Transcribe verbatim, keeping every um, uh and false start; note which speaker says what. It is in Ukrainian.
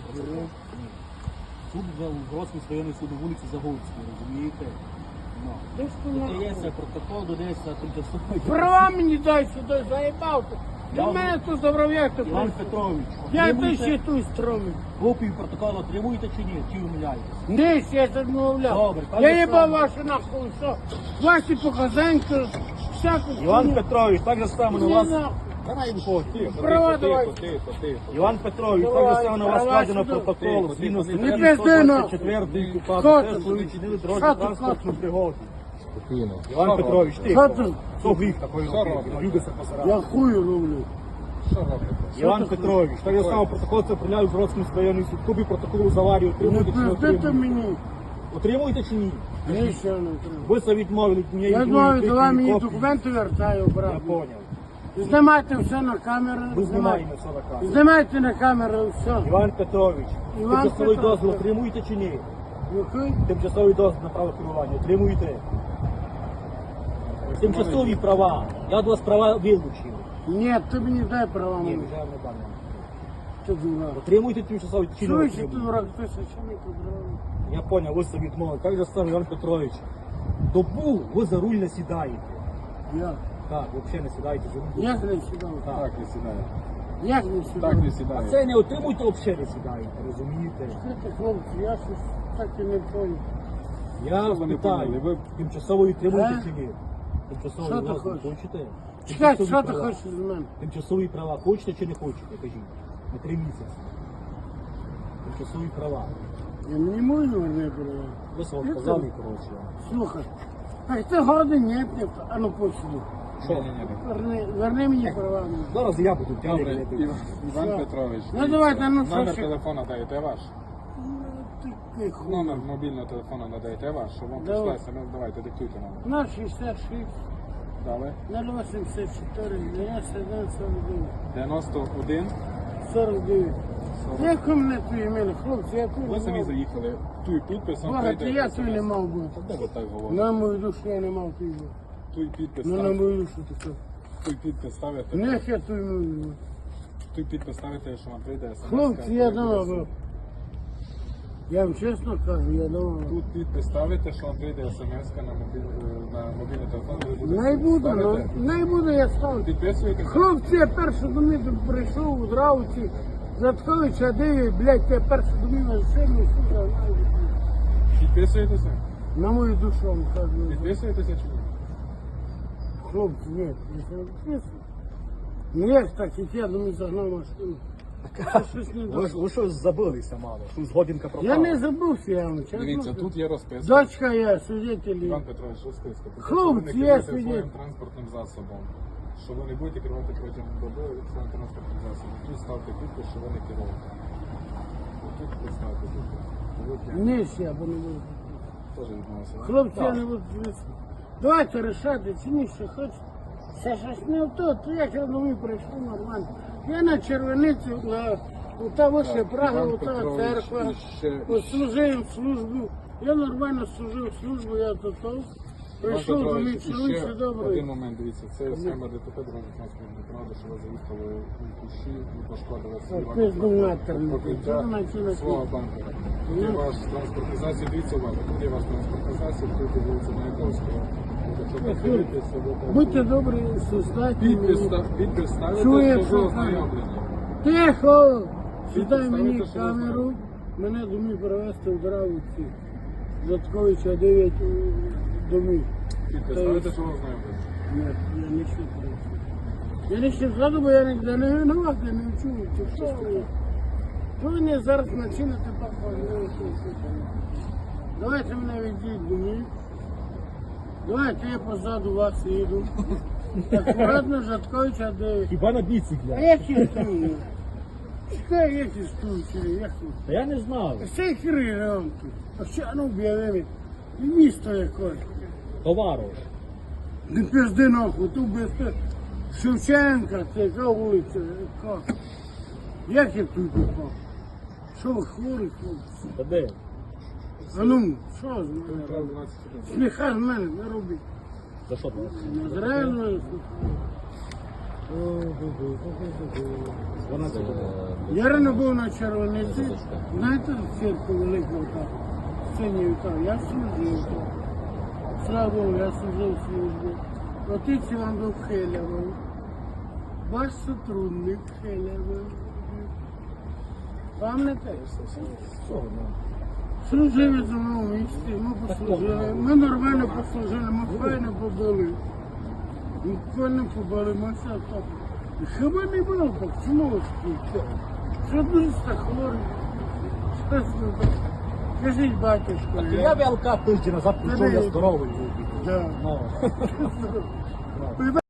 Speaker 1: Тут в Гродському районний суд на вулиці Загорській, розумієте? Ну.
Speaker 2: Ти ж ти нахуй.
Speaker 1: Додається протокол, додається тимчасовий.
Speaker 2: Права мені дай сюди, заїбав ти. Для
Speaker 1: Я-
Speaker 2: мене тут забрав'як ти
Speaker 1: Іван
Speaker 2: просто.
Speaker 1: Петрович,
Speaker 2: Я ти
Speaker 1: отримуєте
Speaker 2: ще тут стромив.
Speaker 1: копію протоколу отримуєте чи ні? Чи умиляєтесь?
Speaker 2: Десь я це відмовляв.
Speaker 1: Добре, пане
Speaker 2: Я їбав
Speaker 1: Олександр.
Speaker 2: ваші нахуй, що? Ваші показанки, всяку
Speaker 1: Іван
Speaker 2: хуйню.
Speaker 1: Петрович, так же само на
Speaker 2: Ні,
Speaker 1: вас...
Speaker 2: нахуй.
Speaker 1: Давай виходь, тихо.
Speaker 2: Права давай.
Speaker 3: Тихо, тихо.
Speaker 1: Іван Петрович, так
Speaker 2: Давай,
Speaker 1: же само на вас
Speaker 2: права
Speaker 1: складено
Speaker 2: сюди.
Speaker 1: протокол.
Speaker 3: Тихо,
Speaker 1: Згідно
Speaker 3: тихо,
Speaker 1: статті
Speaker 2: не пизди, нахуй.
Speaker 1: сто двадцять чотири
Speaker 2: Що
Speaker 1: КУПАП,
Speaker 2: ти?
Speaker 1: теж ви вчинили
Speaker 2: Що
Speaker 1: дорожню
Speaker 2: ти,
Speaker 1: транспортну пригоду.
Speaker 3: Спокійно.
Speaker 1: Іван Петрович,
Speaker 2: Що
Speaker 1: тихо.
Speaker 2: ти?
Speaker 1: Що гріх такої
Speaker 3: Що
Speaker 1: робити?
Speaker 3: робите?
Speaker 1: Люди се посирали.
Speaker 2: Я хую роблю.
Speaker 3: Що робите?
Speaker 1: Іван Петрович, так же само протокол це прийняв в Гродському районний суд. Копію протоколу з аварії
Speaker 2: Не
Speaker 1: отримуєте чи не
Speaker 2: пиздите
Speaker 1: отримуєте?
Speaker 2: мені.
Speaker 1: Отримуєте чи ні?
Speaker 2: Ні, ще не треба.
Speaker 1: Ви це відмовили мені.
Speaker 2: Я знаю, давай мені документи вертаю,
Speaker 1: Я
Speaker 2: брат.
Speaker 1: поняв.
Speaker 2: Знімайте все на камеру.
Speaker 1: Ви
Speaker 2: знімайте.
Speaker 1: знімаєте все на камеру.
Speaker 2: Знімайте на камеру все.
Speaker 1: Іван Петрович,
Speaker 2: Іван
Speaker 1: тимчасовий
Speaker 2: Петрович.
Speaker 1: дозвіл отримуєте чи ні?
Speaker 2: Який?
Speaker 1: Тимчасовий дозвіл на право керування отримуєте? Тимчасові права. Я від вас права вилучив.
Speaker 2: Ні, ти мені дай права
Speaker 1: Ні,
Speaker 2: мені.
Speaker 1: вже не дам.
Speaker 2: Ти дурак.
Speaker 1: Отримуєте тимчасові чи не
Speaker 2: Чуєш, ти
Speaker 1: отримуєте?
Speaker 2: дурак, ти що чому ти дурак?
Speaker 1: Я понял, ви собі відмовили. Як же сам Іван Петрович? Добу ви за руль не сідаєте.
Speaker 2: Я.
Speaker 1: Так, взагалі не сідаєте за руль.
Speaker 2: Як не сідав?
Speaker 1: Так.
Speaker 3: Так не сідає.
Speaker 2: Як не сідав?
Speaker 3: Так не
Speaker 1: А
Speaker 3: сідає.
Speaker 1: це не отримуйте, взагалі не сідаєте, розумієте?
Speaker 2: Слухайте, хлопці, я щось так і не понял.
Speaker 1: Я
Speaker 3: Що ви не
Speaker 1: питаю,
Speaker 3: поняли? Ви-
Speaker 1: тимчасовий отримуєте
Speaker 2: Е?
Speaker 1: чи ні? Тимчасовий
Speaker 2: Що ти
Speaker 1: дозвіл
Speaker 2: хочеш?
Speaker 1: хочете?
Speaker 2: Чекай,
Speaker 1: Тимчасові
Speaker 2: що ти
Speaker 1: права.
Speaker 2: хочеш з мене?
Speaker 1: Тимчасові права хочете чи не хочете, кажіть? На три місяці. Тимчасові права.
Speaker 2: Я мені можу не права.
Speaker 1: Ви вам
Speaker 2: Я
Speaker 1: сказали,
Speaker 2: це-
Speaker 1: коротше.
Speaker 2: Слухай, а ти годин ні, ні, а ну посиди.
Speaker 1: Що?
Speaker 3: Ні, ні, ні.
Speaker 2: Верни, верни мені права.
Speaker 1: Зараз я буду
Speaker 3: Добре,
Speaker 1: тягнути.
Speaker 3: Іван, Іван
Speaker 2: Що?
Speaker 3: Петрович.
Speaker 2: Ну, давайте, ну, що
Speaker 3: Номер
Speaker 2: ще?
Speaker 3: телефона даєте ваш?
Speaker 2: Ну, ти тихо.
Speaker 3: Номер мобільного телефона надаєте ваш, щоб вам
Speaker 2: Давай.
Speaker 3: прийшла смс. Давайте, диктуйте номер.
Speaker 2: На шістдесят шість,
Speaker 3: Дали.
Speaker 2: на вісімдесят чотири, дев'яносто один, сорок дев'ять.
Speaker 3: дев'яносто один.
Speaker 2: сорок дев'ять.
Speaker 3: сорок.
Speaker 2: Як у мене твої імені, хлопці, я тут
Speaker 3: Ви
Speaker 2: не
Speaker 3: самі
Speaker 2: мав.
Speaker 3: заїхали. Туй підпис, вам
Speaker 2: Багато
Speaker 3: прийде
Speaker 2: я
Speaker 3: смс.
Speaker 2: тут не мав бути.
Speaker 3: Де ви так говорите?
Speaker 2: На мою душу я не мав твій бути.
Speaker 3: Туй підпис,
Speaker 2: Ну на
Speaker 3: ставите.
Speaker 2: мою душу ти що.
Speaker 3: Туй підпис ставите.
Speaker 2: Нех я твій мою.
Speaker 3: Туй підпис ставите, що вам прийде смс.
Speaker 2: Хлопці, я дома був. Я вам чесно кажу, я дома був.
Speaker 3: Тут підпис ставите, що вам прийде смс на мобіль- на мобільний телефон. Ви будете
Speaker 2: Не буду, ну,
Speaker 3: ставити.
Speaker 2: не буду я ставити.
Speaker 3: Підписуєте?
Speaker 2: Хлопці, я перше до мене тут прийшов у Драуці, Затковича диві, блядь, я перше до мене сильно, сука,
Speaker 3: Підписуєтеся?
Speaker 2: на мою душу вам кажу.
Speaker 3: Підписуєтеся чи ні?
Speaker 2: Хлопці, ні, я не підписую. Ну як так, як я до мене загнав машину. Це щось не
Speaker 1: Ви,
Speaker 2: так.
Speaker 1: ж- ви щось забилися мало, щось годинка пропала.
Speaker 2: Я не забувся, я вам чесно.
Speaker 3: Дивіться,
Speaker 2: кажу.
Speaker 3: тут є розписка.
Speaker 2: Дочка я, свидетелі.
Speaker 3: Іван Петрович, розписка. Про те,
Speaker 2: Хлопці,
Speaker 3: що ви не
Speaker 2: я
Speaker 3: керуєте
Speaker 2: свідетель.
Speaker 3: своїм транспортним засобом. Що ви не будете керувати протягом доби своїм транспортним засобом. Тут ставте підпис, що ви не керуєте. Тут поставте підпис. Ви п'яні.
Speaker 2: Ні, ще, бо не буду.
Speaker 3: Теж відмовився.
Speaker 2: Хлопці, я
Speaker 1: Так.
Speaker 2: не буду дивитися. Давайте рішати, чи ні, що хочете. Це щось не то, то як я домой прийшов нормально. Я на червониці, на у того ще Прага,
Speaker 3: Іван
Speaker 2: у того
Speaker 3: Петрович,
Speaker 2: церква,
Speaker 3: і ще-
Speaker 2: от служив службу. Я нормально служив службу, я то то.
Speaker 3: Іван
Speaker 2: Прийшов до
Speaker 3: Петрович,
Speaker 2: них,
Speaker 3: і
Speaker 2: чоловік
Speaker 3: ще
Speaker 2: все добре.
Speaker 3: один момент, дивіться, це схема ДТП дорожнього транспортного права, що ви заїхали у кущі і пошкодили свій
Speaker 2: Так, пизду матерну.
Speaker 3: покриття
Speaker 2: Це наче на
Speaker 3: свого
Speaker 2: ті.
Speaker 3: банку. Тут є
Speaker 2: Ну.
Speaker 3: ваш транспортний засіб, дивіться уважно, тут є ваш транспортний засіб, тут є вулиця Маяковського. Якщо ви дивитеся, ви там-
Speaker 2: Будьте добрі, создайте
Speaker 3: Підпис
Speaker 2: мені.
Speaker 3: ста- підпис ставите,
Speaker 2: Чує,
Speaker 3: що ви
Speaker 2: що
Speaker 3: ознайомлені.
Speaker 2: Тихо! Сідай
Speaker 3: Підпис
Speaker 2: мені
Speaker 3: ставите, що ви
Speaker 2: камеру, мене домі перевезти в Дравиці. Затковича дев'ять домів.
Speaker 3: Підпис
Speaker 2: Та й-
Speaker 3: ставите, що ви ознайомлені.
Speaker 2: Ні, я не ще Я не ще ззаду, бо я ніде не винуват, я не чую. Чи що ви? Ви мені зараз начините похвалити. Давайте мене відійдіть до них. Давайте я позаду вас їду. Аккуратно, Жатковича дев'ять.
Speaker 1: Хіба на
Speaker 2: А
Speaker 1: біциклі?
Speaker 2: як я стою? Чекай, як я стою, чи як тут?
Speaker 1: Та я не знав.
Speaker 2: Все хири вам тут. А ще, а ну, об'явили. І місто якось.
Speaker 1: Товаров.
Speaker 2: Не пизди нахуй, тут без те- Шевченка, це яка вулиця, яка? Як я тут попав? Що ви хворі, хлопці?
Speaker 1: Та де?
Speaker 2: А ну, що з мене
Speaker 3: Право
Speaker 2: робить?
Speaker 3: дванадцять один.
Speaker 2: Сміха з мене не робить.
Speaker 1: За що там?
Speaker 2: Не зрено.
Speaker 1: дванадцять годин.
Speaker 2: Я рано був на червониці, знаєте, в церкві великого там, в сцені там, я служив там. Слава Богу, я служив службу. Отець Іван був Хелявий, ваш сотрудник Хелявий. Пам'ятаєте?
Speaker 1: Цього, ну.
Speaker 2: Служили за мною в місті, ми послужили, ми нормально послужили, ми файно побули. Ми файно побули, ми все так. Хіба не було так, чому ви такі? Що дуже так хворі? Чесно так. Скажіть, батюшко,
Speaker 1: Я в ЛК тиждень назад прийшов, я здоровий був.
Speaker 2: Да.
Speaker 1: Ну.
Speaker 2: Ви